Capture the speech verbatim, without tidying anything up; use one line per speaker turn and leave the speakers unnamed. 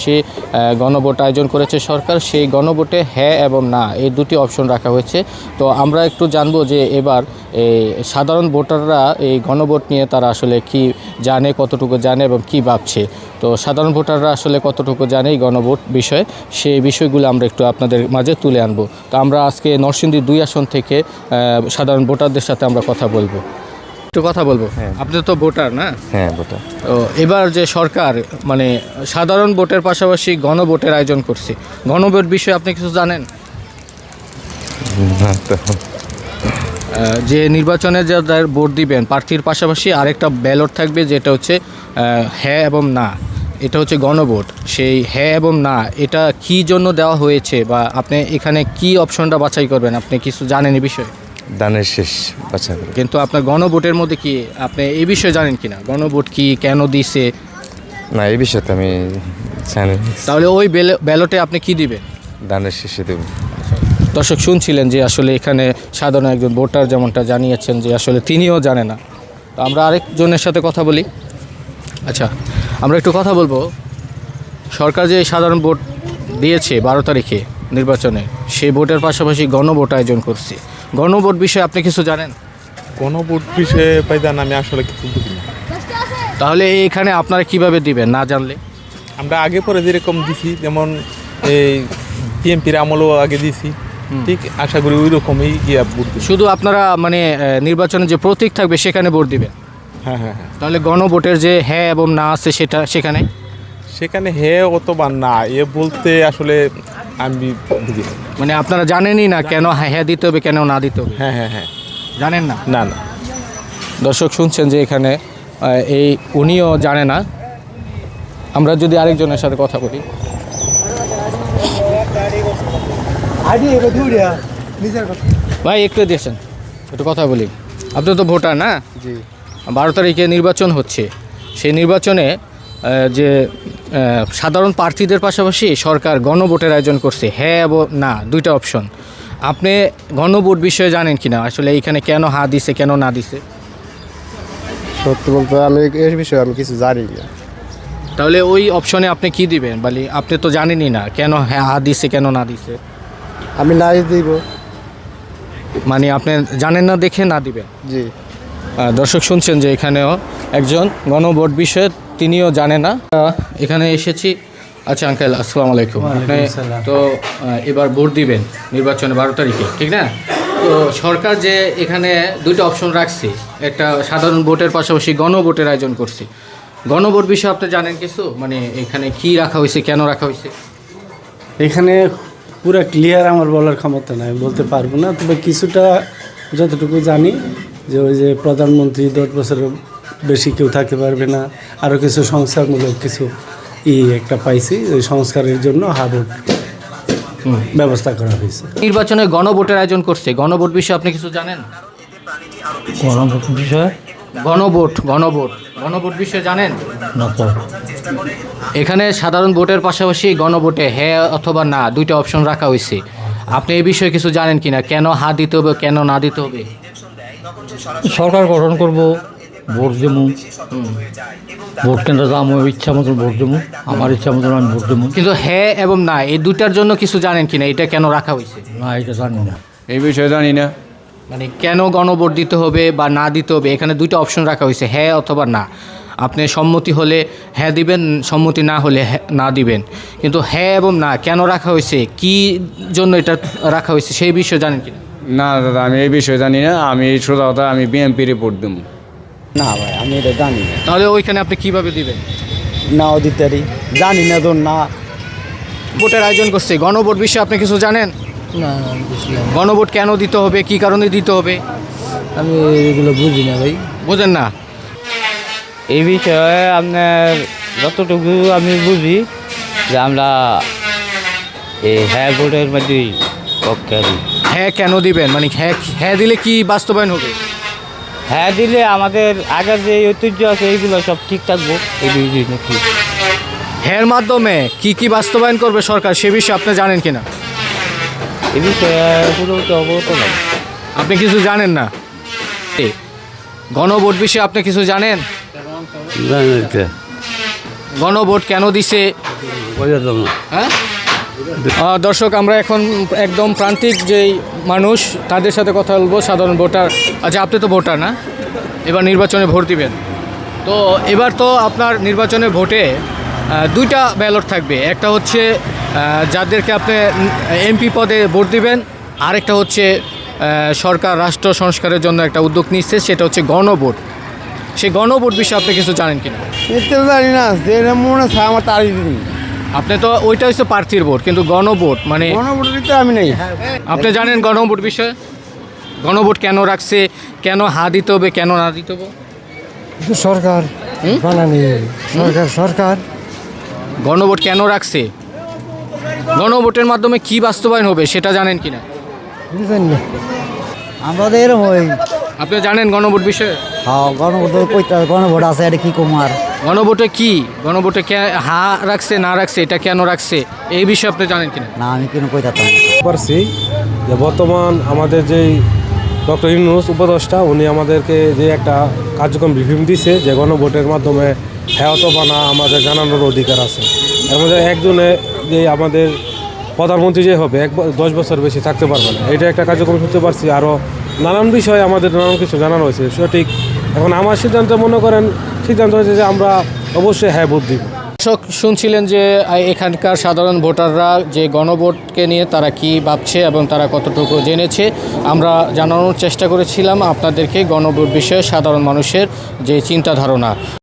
সে গণভোট আয়োজন করেছে সরকার, সেই গণভোটে হ্যাঁ এবং না এই দুটি অপশন রাখা হয়েছে। তো আমরা একটু জানবো যে এবার এই সাধারণ ভোটাররা এই গণভোট নিয়ে তারা আসলে কি জানে, কতটুকু জানে এবং কি ভাবছে। তো সাধারণ ভোটাররা আসলে কতটুকু জানে এই গণভোট বিষয়ে, সেই বিষয়গুলো আমরা একটু আপনাদের মাঝে তুলে আনবো। তো আমরা আজকে নরসিংদী দুই আসন থেকে সাধারণ ভোটারদের সাথে আমরা কথা বলবো, একটু কথা বলবো।
হ্যাঁ,
আপনি তো ভোটার না?
হ্যাঁ ভোটার।
তো এবার যে সরকার মানে সাধারণ ভোটের পাশাপাশি গণভোটের আয়োজন করছে, গণভোট বিষয়ে আপনি কিছু জানেন? যে নির্বাচনে যাদের ভোট দিবেন প্রার্থীর পাশাপাশি আরেকটা ব্যালট থাকবে, যেটা হচ্ছে হ্যাঁ এবং না, এটা হচ্ছে গণভোট। সেই হ্যাঁ এবং না এটা কি জন্য দেওয়া হয়েছে, বা আপনি এখানে কি অপশনটা বাছাই করবেন, আপনি কিছু জানেন এই বিষয়ে?
দানের শেষ বাছা করে।
কিন্তু আপনার গণভোটের মধ্যে কি আপনি এই বিষয়ে জানেন কিনা, গণভোট কি, কেন দিছে?
না, এই বিষয়ে তো আমি জানি।
তাহলে ওই ব্যালটে আপনি কি দিবেন?
দানের শেষে দেব।
দর্শক শুনছিলেন যে আসলে এখানে সাধারণ একজন ভোটার যেমনটা জানিয়েছেন যে আসলে তিনিও জানে না। তো আমরা আরেকজনের সাথে কথা বলি। আচ্ছা, আমরা একটু কথা বলবো। সরকার যে সাধারণ ভোট দিয়েছে বারো তারিখে নির্বাচনে, সেই ভোটের পাশাপাশি গণভোট আয়োজন করছে, গণভোট বিষয়ে আপনি কিছু জানেন?
গণভোট বিষয়ে পাইদান আমি আসলে কিছু বুঝি না।
তাহলে এখানে আপনারা কিভাবে দিবেন না জানলে?
আমরা আগে পরে যেরকম দিছি, যেমন এই বিএনপির আমলও আগে দিছি, ঠিক আশা করি ওই রকমই গিয়া ভোট দিব।
শুধু আপনারা মানে নির্বাচনে যে প্রতীক থাকবে সেখানে ভোট দিবেন?
হ্যাঁ হ্যাঁ হ্যাঁ।
তাহলে গণভোটের যে হ্যাঁ এবং না আছে সেটা সেখানে
সেখানে হে অথবা না এ বলতে আসলে আমি বুঝি না।
মানে আপনারা জানেনই না কেন হ্যাঁ হ্যাঁ দিতে হবে, কেন না দিতে হবে?
হ্যাঁ হ্যাঁ হ্যাঁ,
জানেন না?
না না।
দর্শক শুনছেন যে এখানে এই উনিও জানে না। আমরা যদি আরেকজনের সাথে কথা বলি। ভাই একটু দিয়েছেন, একটু কথা বলি। আপনি তো ভোটার না?
জি।
বারো তারিখে নির্বাচন হচ্ছে, সেই নির্বাচনে যে সাধারণ প্রার্থীদের পাশাপাশি সরকার গণভোটের আয়োজন করছে হ্যাঁ এবং না দুইটা অপশন। আপনি গণভোট বিষয়ে জানেন কিনা, আসলে এইখানে কেন হ্যাঁ দিছে, কেন না দিছে?
সত্যি বলতে আমি এই বিষয়ে আমি কিছু জানি না।
তাহলে ওই অপশনে আপনি কি দিবেন? বলি আপনি তো জানেনই না কেন হ্যাঁ হ্যাঁ দিছে, কেন না দিছে।
আমি নাই দিব।
মানে আপনি জানেন না দেখে না দিবেন?
জি।
দর্শক শুনছেন যে এখানেও একজন গণভোট বিষয়ে তিনিও জানে না। এখানে এসেছি। আচ্ছা আঙ্কেল, আসসালামু আলাইকুম। আপনি তো এবার ভোট দিবেন নির্বাচনে বারো তারিখে, ঠিক না? তো সরকার যে এখানে দুটো অপশন রাখছে, একটা সাধারণ ভোটের পাশাপাশি গণভোটের আয়োজন করছে, গণভোট বিষয়ে আপনি জানেন কিছু? মানে এখানে কি রাখা হয়েছে, কেন রাখা হয়েছে?
এখানে পুরো ক্লিয়ার আমার বলার ক্ষমতা নাই, বলতে পারবো না। তবে কিছুটা যতটুকু জানি যে ওই যে প্রধানমন্ত্রী দশ বছরের বেশি কেউ থাকতে পারবে না, আরও কিছু সংস্কারমূলক কিছু ই একটা পাইছি, ওই সংস্কারের জন্য হাবুট ব্যবস্থা করা হয়েছে।
নির্বাচনে গণভোটের আয়োজন করছে, গণভোট বিষয়ে আপনি কিছু জানেন?
গণভোট বিষয়ে
গণভোট গণভোট গণভোট বিষয়ে জানেন?
না তো।
এখানে সাধারণ ভোটের পাশাপাশি গণভোটে হ্যাঁ অথবা না দুইটা অপশন রাখা হয়েছে। আপনি এই বিষয়ে কিছু জানেন কিনা, কেন হ্যাঁ দিতে হবে, কেন না দিতে হবে?
সরকার গঠন করব, ভোট দেবো, ভোট কেন্দ্রে যাবো, ইচ্ছা মতন ভোট দেবো, আমার ইচ্ছা মতন আমি ভোট দেবো।
কিন্তু হ্যাঁ এবং না এই দুইটার জন্য কিছু জানেন কিনা, এটা কেন রাখা হয়েছে?
না, এটা জানি না।
এই বিষয়ে জানি না।
মানে কেন গণভোট দিতে হবে বা না দিতে হবে, এখানে দুইটা অপশন রাখা হয়েছে, হ্যাঁ অথবা না। আপনি সম্মতি হলে হ্যাঁ দিবেন, সম্মতি না হলে না দিবেন। কিন্তু হ্যাঁ এবং না কেন রাখা হয়েছে, কি জন্য এটা রাখা হয়েছে, সেই বিষয়ে জানেন কিনা?
না দাদা, আমি এই বিষয়ে জানি না। আমি সোজা কথা আমি বিএনপি রিপোর্ট দেবো।
না ভাই, আমি এটা জানি না।
তাহলে ওইখানে আপনি কিভাবে দিবেন?
নাও দিতে পারি, জানি না তো না।
ভোটের আয়োজন করছে, গণভোট বিষয়ে আপনি কিছু জানেন?
না, বুঝলাম।
গণভোট কেন দিতে হবে, কি কারণে দিতে হবে?
আমি এগুলো বুঝি না ভাই।
বোঝেন না?
এই বিষয়ে আপনার যতটুকু আমি বুঝি যে আমরা এই হ্যাঁ ভোটের মধ্যেই পক্ষে আছি।
হ্যাঁ কেন দিবেন, মানে হ্যাঁ হ্যাঁ দিলে কি বাস্তবায়ন হবে?
হ্যাঁ দিলে আমাদের আগের যে ঐতিহ্য আছে এইগুলো সব ঠিক থাকবো। এই দুই নাকি
হ্যাঁ মাধ্যমে কি কি বাস্তবায়ন করবে সরকার, সে বিষয়ে আপনি জানেন কিনা?
এই বিষয়ে পুরোপুরি অবগত নয়।
আপনি কিছু জানেন না? গণভোট বিষয়ে আপনি কিছু জানেন? গণভোট কেন দিছে হ্যাঁ আহ, দর্শক আমরা এখন একদম প্রান্তিক যেই মানুষ তাদের সাথে কথা বলবো, সাধারণ ভোটার। আচ্ছা, আপনি তো ভোটার না, এবার নির্বাচনে ভোট দিবেন। তো এবার তো আপনার নির্বাচনে ভোটে আহ, দুইটা ব্যালট থাকবে, একটা হচ্ছে আহ, যাদেরকে আপনি এমপি পদে ভোট দিবেন, আরেকটা হচ্ছে আহ, সরকার রাষ্ট্র সংস্কারের জন্য একটা উদ্যোগ নিচ্ছে, সেটা হচ্ছে গণভোট। সেই গণভোট বিষয়ে আপনি কিছু জানেন কিনা?
এতে জানি না যে মনে হয় আমার তারিখ দিন
আপনি তো ওইটা হচ্ছে প্রার্থীর ভোট, কিন্তু গণভোট মানে
গণভোটের তো আমি নেই।
আপনি জানেন গণভোট বিষয়ে? গণভোট কেন রাখছে, কেন হা দিতে হবে, কেন না দিতে হবে?
সরকার বানানি সরকার সরকার
গণভোট কেন রাখছে, গণভোটের মাধ্যমে কি বাস্তবায়ন হবে সেটা জানেন কিনা?
বুঝলেন না আমাদের এরকম ওই
আপনি জানেন গণভোট বিষয়ে?
হ্যাঁ গণভোট কইতে গণভোট আছে এটা কি কুমার
গণভোটে কি, গণভোটে কে হা রাখছে না রাখছে, এটা কেন রাখছে, এই বিষয়ে আপনি জানেন কিনা?
না আমি কেন কইতাম
পারছি যে বর্তমান আমাদের যেই ডক্টর ইউনূস উপদেষ্টা উনি আমাদেরকে যে একটা কার্যক্রম রিভিউ দিছে যে গণভোটের মাধ্যমে হ্যাঁ অথবা না আমাদের জানানোর অধিকার আছে। এর মধ্যে একজনে যে আমাদের প্রধানমন্ত্রী যে হবে এক ব- দশ বছর বেশি থাকতে পারবে না, এটা একটা কার্যক্রম শুনতে পারছি। আরও নানান বিষয়ে আমাদের নানান কিছু জানানো হয়েছে সঠিক। এখন আমার সিদ্ধান্ত মনে করেন সিদ্ধান্ত হয়েছে যে আমরা অবশ্যই হ্যাঁ ভোট দিব।
দর্শক শুনছিলেন যে আহ, এখানকার সাধারণ ভোটাররা যে গণভোটকে নিয়ে তারা কি ভাবছে এবং তারা কতটুকু জেনেছে। আমরা জানানোর চেষ্টা করেছিলাম আপনাদেরকে গণভোট বিষয়ে সাধারণ মানুষের যে চিন্তা ধারণা।